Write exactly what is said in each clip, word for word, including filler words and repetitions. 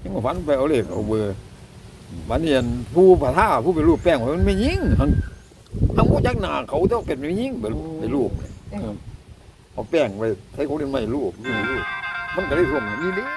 ยังฝันไปเอาเลขเอาเบอร์วันนี้ผู้ผ่าท่าผู้ไปรูปแป้งมันไม่ยิงทั้งทั้งผู้จักหน้าเขาต้องเป็นไม่ยิงไปรูปเอาแป้งไปใช้ของเล่นไม่รูปรูปมันก็ได้ท่วงนี่ดิ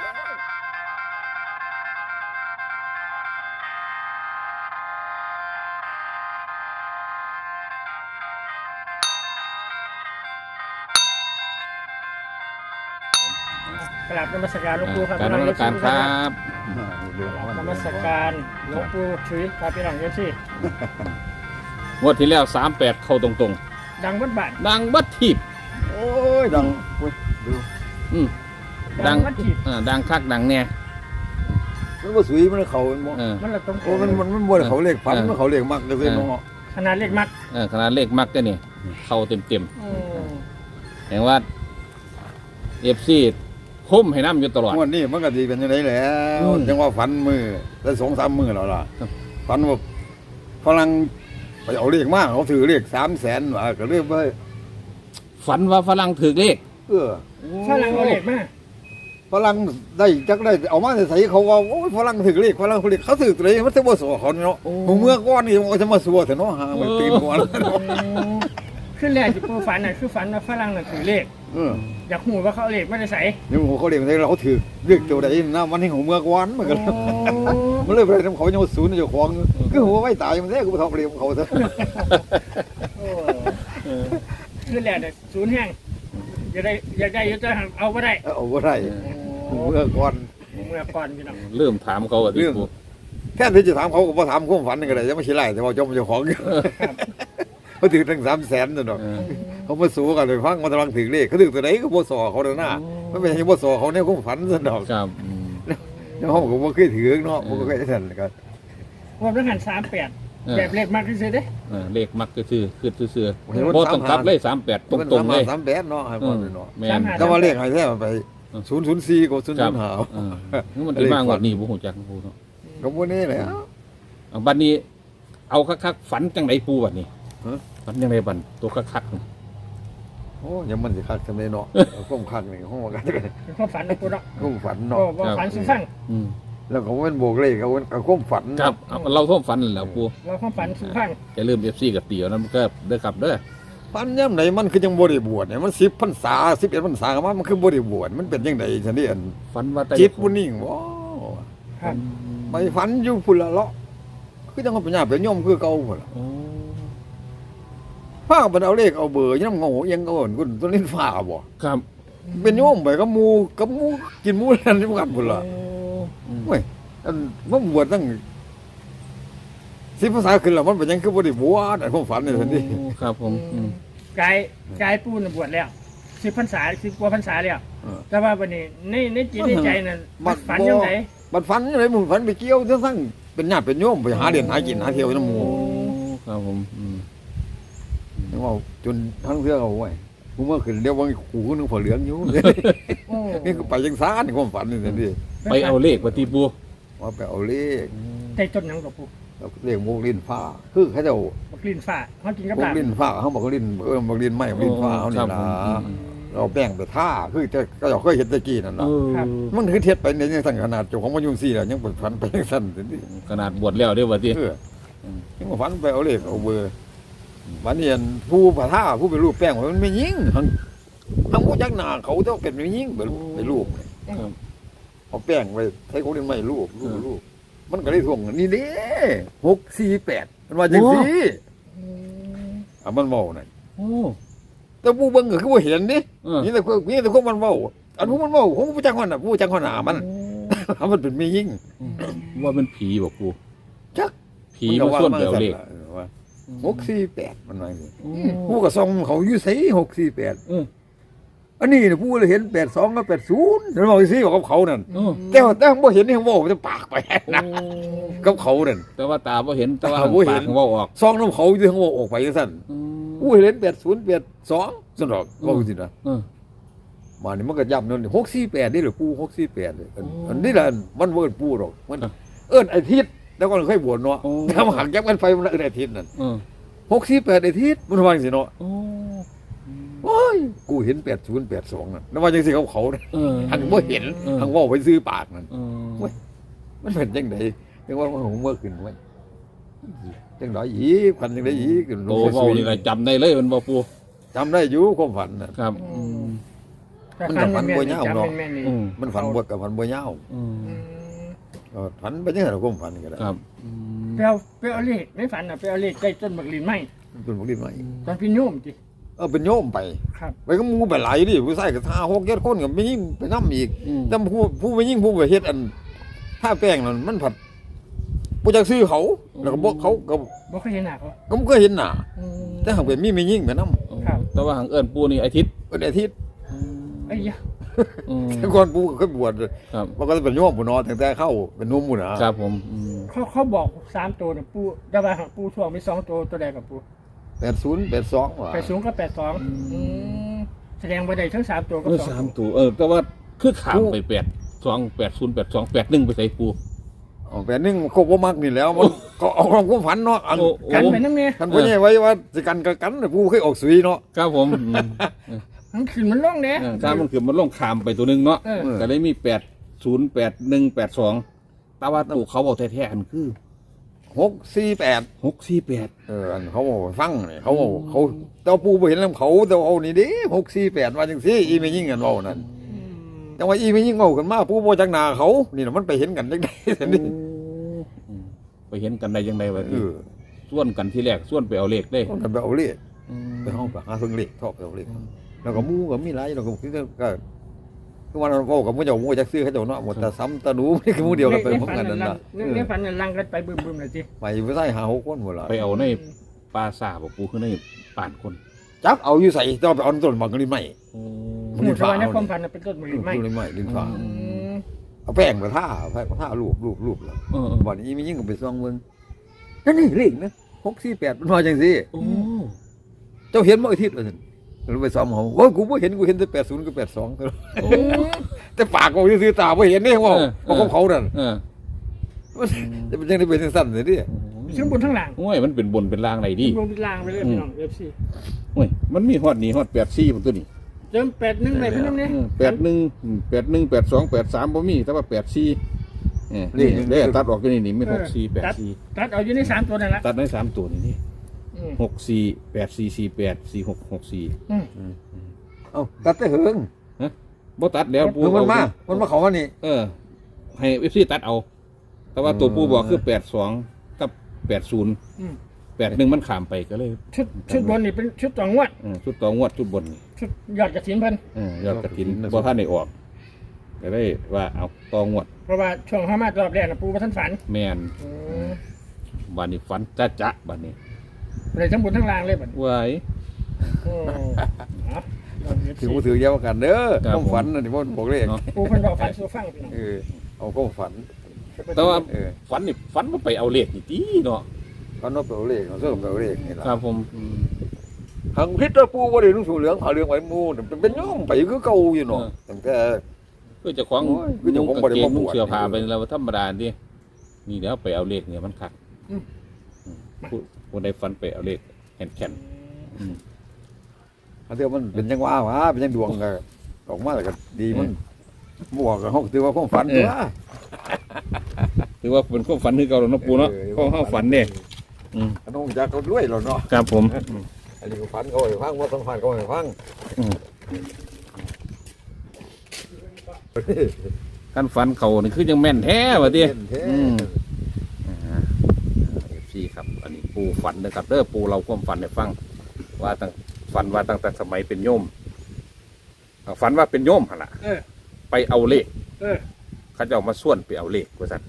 กราบนมัสการหลวงปู่ครับการนมัสการครับนมัสการหลวงปู่ชุยครับพี่น้องเยซี่งวดที่แล้วสามแปดเข้าตรงดังวัดบ้านๆดังบัดทีบโอ้ยดังดูอืมดังวัดถีบอ่าดังคักดังแน่มันว่าสวยมันเขาเออมันละตรงโอ้มันมันมันบ่ได้เขาเลขพันมันเขาเลขมักก็เลยเนาะขนาดเล็กมักเออขนาดเลขมักก็นี่เข้าเต็มเต็มอืมๆแห่งว่าเอฟซีคุ้มให้น้ำอยู่ตลอดงวดนี้มันก็ดีเป็นยังไงแล้วอืมจังว่าฝันมือแล้วสองสามมือแล้วล่ะครับฝันว่าฝรั่งไปเอาเลขมากเขาถือเลขสามแสนว่าก็เรียกว่าฝันว่าฝรั่งถือเลขเออฝรั่งเอาเล็กมากฝรั่งได้จักได้เอามาใส่เขาว่าโอ้ยฝรั่งถือเลขฝรั่งถือเลขเขาถือตัวเองมันจะบ่สัวเขาเนาะผมเมื่อก้อนนี่มันจะมาสัวแต่เนาะหามันตีนหัวแล้วเนาะขึ้นแรกที่ปู่ฝันน่ะคือฝันว่าฝรั่งน่ะถือเลขเอออยากหูว่าเขาเอาเลขไม่ได้ใส่นี่ผมเขาเลขใส่เราถือเลขตัวใดนะมันให้ของเมื่อก้อนมันก็ มันเลยไปทำเขายังมาศูนย์เจ้าของคือหัวไม่ตายมันแท้กูไปทำเรียมเขาซะโอ้ขึ้นแรกเนี่ยศูนย์แห้งอยากได้อยากได้อยากจะเอาไม่ได้เอาบ่ได้เมื่อก่อนเมื่อก่อนพี่น้องเริ่มถามเขาว่าที่ปูแค่ที่จะถามเขาก็บ่ถามความฝันนี่ก็ได้จะไม่ใช่ไรแต่ว่าเจ้าเจ้าของเขาถือตั้งสามแสนนั่นดอกเออเขามาสู้กันเลยฟังมันกำลังถือเลขเขาถือตัวไหนก็บ่สอเขาเด้อหน้ามันไม่ใช่บ่สอเขาเนี่ยความฝันซะดอกครับอืมแล้วเขาก็บ่เคยถือเนาะบ่เคยสั่นกันว่าต้องหันสามแปดแบบเลขมากที่สุดเด้เออเลขมักก็คือคือเสื่อๆโบต้องกลับเลยสามแปดตรงๆเลยสามแปดเนาะให้อืบ่มเนาะแม่นแต่ว่าเลขให้แท้มันไปศูนย์ศูนย์สี่กับศูนย์ครัศูบนย์ห้าเออนี่มันจะมากกว่านี้บุหูจักปูเนาะก็บ่นี่แหละเอาบัดนี้ เอาคักๆฝันจังไดปูบัดนี้ฮะฝันจังไดบัดตัวคักๆนี่โอ้ยังมันสิคักจังได๋เนาะก้มคักนี่ห้องกันเป็นความฝันนะปู่เนาะก้มฝันก็เนาะว่าฝันสุฟังอืมแล้วก็มันโบกเลขก็มันก็ก้มฝันครับเอาเราท่วมฝันนั่นแหล้วปูว่าความฝันสุฟังจะเริ่มเอฟซีกับเตี๋ยวนั้นมันก็เด้อครับเด้อฝันย่ำไหนมันคือยังบ่ได้บวชเนี่ยมันสิบพรรษาสิบเอ็ดพรรษาก็มามันคือบ่ได้บวชมันเป็นจังไดซั่นนี่อันฝันว่าแต่จิตบ่นิ่งบ่ครับไปฝันอยู่พุ่นละเลาะคือจังว่าปัญญาเป็นโยมคือเก่าพุ่นล่ะโอ้พากันเอาเลขเอาเบอร์ยังงงยังเอากุนตัวนี้ฟ้าบ่ครับเป็นโยมไปกับหมู่กับหมู่กินหมู่นั่นที่กันพุ่นล่ะอืมเว้ยอันมันบวชตั้งสิบภาษาขึ้นแล้วมันเป็นยังคือบ่ได้บวชอันความฝันนี่ซั่นดิโอ้ครับผมอืมกายกายปูนบวชแล้วสิบพรรษาสิบกว่าพรรษาแล้วเออแต่ว่าวันนี้ในในจิตในใจนั่นมัมันกฝันบ่ยังไงบัดฝันยังไงมึงฝันไปเกี่ยวจังซั่งเป็นญาติเป็นโยมไปหาเรียนหากินหาเที่ยวน้ำหมู่ครับผมอืมนึกว่าจนทั้งเทื่อเอาไว้กูเมื่อขึ้นเดี๋ยวว่ากูก็นึกฝาเหลืองอยู่โอ้นี่คือไปจังซ่านความฝันนี่ซั่นดิไปเอาเลขว่าที่ปูว่าไปเอาเลขใจจนหยังกับปูเอาเลขโมกลิ้นฟ้าคือเขาเจ้าบักลิ้นฟ้าเขากินกับโมลาก บลิ้นฟ้าเขาบอกว่าลิ้นเออโมกลิ้นไม้โมกลิ้นฟ้าเขานี่ครับล่ะผมอืมเราแป้งไปท่าคือจะก็เราเคยเห็นตะกี้นั่นเอน่ะอมันคือเท็ดไปในยังสั่งขนาดเจ้าของมันยุ่งซี่แล้วยังเปิดฝันไปยังสั่นสิขนาดบวชแล้วเด้อว่าที่เออยังมาฝันไปเอาเลขเอาเบอร์วันนี้ผู้ผ่าท่าผู้ไปรูปแป้งมันไม่ยิงทั้งทั้งผู้จักหน้าเขาต้องเป็นไม่ยิงไปไปรูปครับเอาแป้งไปใช้ของเล่นไม่รูปรูปรูปมันก็ได้ท่วงนี่เด้หกสี่แปดมันว่าจังซี่อ่ะมันเมาหน่อยโอ้แต่ผู้เบิ่งก็คือบ่เห็นนี่เออนี่แต่คนนี่แต่คนมันเมาอันผู้มันเมาของผู้จักคนน่ะผู้จักคนหนามันมันเป็นไม่ยิงว่าเป็นผีบอกปูจักผีมาส่วนเดียวเลขหกสี่แปดมันว่าอย่างนี้โอ้ผู้ก็ส่องเขาอยู่ไสหกสี่แปดเอออันนี้เนี่ยผู้เลยเห็นแปดสองกับแปดศูนย์ฉันบอกสิบอกกับเขานั่นเออแต่ว่าแต่บ่เห็นนี่เขาบอกมันจะปากไปนะกับเขานั่นแต่ว่าตาบ่เห็นแต่ว่าตาบ่เห็นปากเว่าออกซองน้ำเขาอยู่เขาบอกออกไปสั่นอืมผู้เห็นแปดศูนย์แปดสองสั่นดอกบอกสินะเออมานี่มันก็ย้ำนั่นหกสี่แปดนี่หรือปูหกสี่แปดเลยอันโอ้อันนี้แหละมันเวิร์นปูหรอกมันครับเอิ้นไอทิศแล้วก็เคยบวชเนาะโอ้ถ้ามาหักยับกันไฟมันเอิ้นไอทิศนั่นเออหกสี่แปดไอทิศมันว่าจังสิเนาะโอ้โอ้ยกูเห็นแปดศูนย์แปดสองนั่นแล้วว่าจังสิเขาเขาเนี่ยเออหันบ่เห็นเออหันว่าไปซื้อปากนั่นเออเว้ยมันเป็นจังไดจังว่ามันหูเมื่อขึ้นไว้จังไดอีกพันจังไดอีกโตเว้านี่ก็จำได้เลยมันบ่ปูจำได้อยู่ความฝันน่ะครับอืมมันกับพันบัวยาวเนาะจำแม่นๆนี่อืมมันฝันบวกกับฝันบัวยาวอืมอืมเออฝันไปจังได๋ความฝันก็ได้ครับอืมไปเอาไปเอาเลขไม่ฝันอ่ะไปเอาเลขใกล้ต้นบักลินไหมเป็นบ่ได้ไหมตอนพี่โยมจิเออเป็นโยมไปครับไปก็หมู่ไปหลายดิผู้ชายก็ห้าหกเจ็ดคนก็ไม่ยิ่งไปนำอีกอืมแต่ผู้ผู้ไปยิ่งผู้ไปเฮ็ดอันถ้าแป้งนั่นมันผัดบ่จักซื้อเขาแล้วก็บ่เขาก็บ่เคยเห็นหน้าเขาก็บ่เคยเห็นหน้าอืมแต่หากเป็นมีไม่ยิ่งไปนำครับแต่ว่าหางเอิ้นปูนี่อาทิตย์เป็นอาทิตย์ไอ้ยะอืมแต่ก่อนปู่ก็เคยบวชครับมันก็เป็นโยมผู้น้อยตั้งแต่เข้าเป็นหนุ่มพุ่นน่ะครับผมอืมเขาเขาบอกสามตัวนะปูแต่ว่าปูช่วงมีสองตัวตัวใดกับปูแปดศูนย์ แปดสองว่ะแปดสูงกับแปดสองแสดงว่าได้ทั้งสามตัวกับเออสองสามตัวตัวเออแต่ว่าคือขามไปแปดสองแปดศูนย์แปดสองแปดหนึ่งไปใส่ปูอ๋อแปดหนึงครบบ่มักนี่แล้วมันก็เอาความความฝันเนาะอันโอ้กันไปน้ำเนี่ยคันบ่ใหญ่ไว้ว่าสิกันก็กันน่ะปู่เคยออกสุยเนาะครับผมอืมมันขึ้นมันลงเนี่ยเออถ้ามันคือมันลงขามไปตัวหนึงเนาะเออก็เลยมีแปดศูนย์แปดหนึ่งแปดสองแต่ว่าตัวเขาบอกแท้ๆอันคือหกสี่แปดหกสี่แปดเอออันเขาบอกให้ฟังนี่เขาบอกเขาเจ้าปู่บ่เห็นนำเขาแต่ว่าเอานี่เด้หกสี่แปดว่าจังซี่อีไม่ยิ่งกันเว้านั่นแต่ว่าอีไม่ยิ่งเว้ากันมาปู่บ่จักหน้าเขานี่น่ะมันไปเห็นกันจังได๋ซั่นนี่อืมไปเห็นกันได้ยังไงวะเอที่อส่วนกันที่แรกส่วนไปเอาเลขได้คนกันไปเอาเลขอืมไปห้องไปหาเพิ่งเลขชอบไปเอาเลขแล้วก็หมู่ก็มีหลายแล้วก็คือก็คือวันนั้นเว้ากับหมู่เจ้าหมู่จักซื้อเขาเจ้าเนาะหมดแต่ซ้ำตะหนูนี่คือหมู่เดียวกันไปพร้อมกันนั่นน่ะในฝันนั่นลังกันไปบึ้มๆเลยจิไปไปใส่หาหกคนหมดละไปเอาในปลาซาบอกปูคือในป่านคนจักเอาอยู่ใส่ต้องไปเอาต้นมังกรใหม่หมู่ชาวในความฝันน่ะเป็นต้นบักลินไหมต้นใหม่ลิ้นฟ้าอืมเอาแป้งมาท่าแป้งมาท่ารูปรูปรูปแล้วเออวันนี้มียิ่งกับไปซองเมืองนั่นนี่เลขนะหกสี่แปดมันมาจังสิโอ้เจ้าเห็นเมื่ออาทิตย์เลยเราไปซ้อมเขาว่ากูไม่เห็นกูเห็นแต่แปดศูนย์กับแปดสองโอ้แต่ปากกูซื้อตาไม่เห็นเนี่ยว่าเพราะเขานั่นเออจะเป็นยังไงเป็นสั้นเลยดิทั้งบนทั้งหลังโอ้ยมันเป็นบนเป็นล่างไหนดีลงเป็นลางไปเลยพี่น้องเอฟซีโอ้ยมันมีฮอดนี่ฮอดแปดสี่ผมตัวนี้เติมแปดหนึ่งไปพี่น้องเนี่ยแปดหนึ่งแปดหนึ่งแปดสองแปดสามบ่มีแต่ว่าแปดสี่นี่ได้ตัดออกกันนี่นี่ไม่หกสี่แปดสี่ตัดเอาอยู่ในสามตัวนั่นแหละตัดได้สามตัวนี่นี่อืมหกสี่แปดสี่สี่แปดสี่หกหกสี่อืมเอ้าตัดแต่เหิงบ่ตัดแล้วปูเหิงมันมาเอมันมาเขาว่านี่เออ ให้เอฟซีตัดเอา แต่ว่าตัวปูบอกคือแปดสองกับแปดศูนย์อืมแปดหนึ่งมันขามไปก็เลยชุดชุดบนนี่เป็นชุดต่องวดเออชุดต่องวดชุดบนนี่ชุดยอดกระถินเพิ่นเออยอดกระถินบ่ท่านได้ออกก็เลยว่าเอาต่องวดเพราะว่าช่วงห้ามารอบแรกนะปูมาท่านฝันแม่นอืมบัดนี้ฝันจะจะบัดนี้เลยทั้งบนทั้งล่างเลยบัดนี้ไว้โอ้เอาลองเอฟถือซีมือถือเยาวกันเด้อครับต้องฝันนะที่พ่อบอกเลขเนาะปูเพิ่นบอกฝันสู่ฟังพี่น้องเออเอาก็ฝันแต่ว่าเออฝันนี่ฝันว่าไปเอาเลขนี่ติเนาะฝันว่าไปเอาเลขเอาเสื้อไปเอาเลขนี่ล่ะครับผมอืมทางพิษตะปูว่าได้นุ่งสูงเหลืองผ่าเหลืองไว้หมูแต่เป็นโย่อมไปคือเก่าอยู่เนาะตั้งแต่คือเจะของโอ้ยคือเจ้าของนุ่งบ่กางได้เกงมาบวชนุ่งเสื้อผ้าไปแล้วธรรมดาดินี่เดี๋ยวไปเอาเลขเนี่ยมันคักอืมอืมผู้ผู้ใดฝันไปเอาเลขแข็งแข็งอืมอันเดียวมันเป็นยังว่าวะเป็นยังดวงก็ออกมาแล้วก็ดีมันบวกกับเฮาถือว่าความฝันตัวถือว่าเป็นความฝันคือเก่าแล้วเนาะปูเนาะเออข้อเข้าฝันเนี่ยอืมอันน้องจักก็ด้วยแล้วเนาะครับผมอันนี้ก็ฝันเขาให้ฟังว่าต้องฝันเขาให้ฟังอืมการฝันเขานี่คือยังแม่นแท้วะดิเห็นแท้อืม เอฟซีครับ อันนี้ปูฝันนะครับเด้อปูเราความฝันให้ฟัง ว่าตั้งฝันว่าตั้งแต่สมัยเป็นโยมอ่าฝันว่าเป็นโยมหั่นล่ะเออไปเอาเลขเออเขาจะเอามาส่วนไปเอาเลขว่าซั่น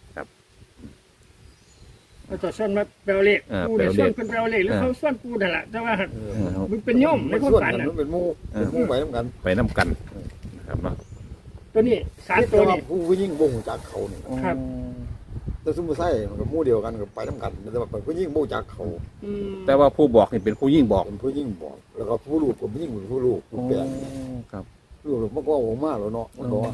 เอาต่อส่วนมาแปลเลขเออปูเนี่ยแปลเลขส่วนเป็นแปลเลขหรือเขาส่วนปูนั่นแหละแต่ว่าเออมันเป็นโยมในมันความส่วนฝันกันน่ะมันเป็นหมู่เป็นหมู่ไปนํกันไปน้ำกันนะครับเนาะตัวนี้สามตัวแต่นี่ผู้ยิ่งบ่งจากเขานี่ครับแต่ซุ่มไส้มันก็หมู่เดียวกันก็ไปนํกันแต่ว่าผู้ยิ่งบ่จากเขาอืมแต่ว่าผู้บอกนี่เป็นผู้ยิ่งบอกเป็นผู้ยิ่งบอก แล้วก็ผู้ลูกก็ผู้ยิ่งเป็นผู้ลูกผู้แปลงครับลูกมันก็ออกมาแล้วเนาะมันก็ว่า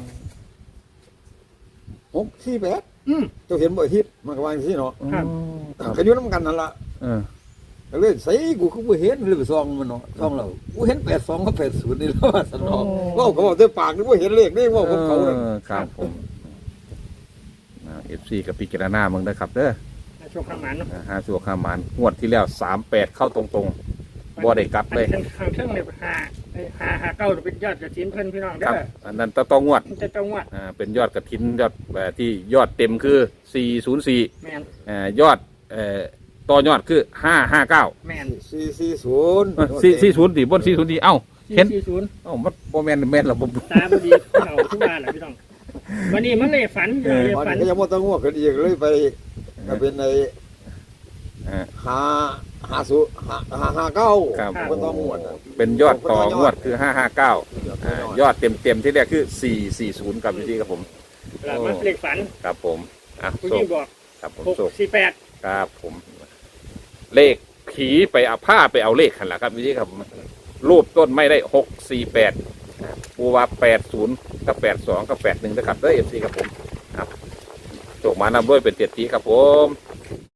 หกสี่แปดอืมเจ้าเห็นบ่อาทิตย์มันก็ว่าอย่างนี้เนาะครับก็อยู่นํกันนั่นล่ะเออก็เลยใส่กูคือบ่เห็นเลยไปซองมันเนาะซองเรากูเห็นแปดสองกับแปดศูนย์นี่แล้วว่าซั่นเนาะเว้าก็เว้าด้วยปากนี่บ่เห็นเลขนี่เว้าของเขานั่นออครับผมเออฟซีกับพิจารณาเมืองนะครับเด้อช่วงข้างหมันเนาะอ่าห้าสัวข้ามมันงวดที่แล้วสามแปดเข้าตรงๆบ่ได้กลับเลยอันข้างเทิงเนี่ยหาไอ้หาหาเก้าเป็นยอดกระถินเพิ่นพี่น้องคเด้รับออันนั้นต้องงวดมันจะต้องวัดอ่าเป็นยอดกระถินยอดเอ่อที่ยอดเต็มคือสี่ศูนย์สี่แมนอ่ายอดเอ่อต่อยอดคือห้าห้าเก้าแมนสี่สี่ศูนย์สี่สี่ศูนย์สี่บนสี่ศูนย์สี่เอ้าสี่เห็นสี่ศูนย์เอ้ามันโมแมนแมนหรอผมตาบดีเขาทุกบ้านแหละพี่น้องวันนี้มันเลยฝันเลยวันฝันนี้ก็ยังไม่ต้องงวดกันอีกเลยไปก็เป็นในอ่าหาหาสูหาหาหาเก้าครับก็ต้องงวดอะเป็นยอดต่องวดคือห้าห้าเก้าอ่ายอดเต็มเต็มๆที่แรกคือสี่สี่ศูนย์ครับพี่ครับผมแล้วมันเลขฝันครับผมอ่ะผู้โชหญิคงบอกครับผมหกโชคสี่แปดครับผม เลขผีไปเอาผ้าไปเอาเลขขันละครับพี่ครับผมรูปต้นไม่ได้หกสี่แปดปูว่าแปดศูนย์กับแปดสองกับแปดหนึ่งนะครับด้วยเอฟซีครับผมครับโชคมานำด้วยเป็นเตียตีครับผม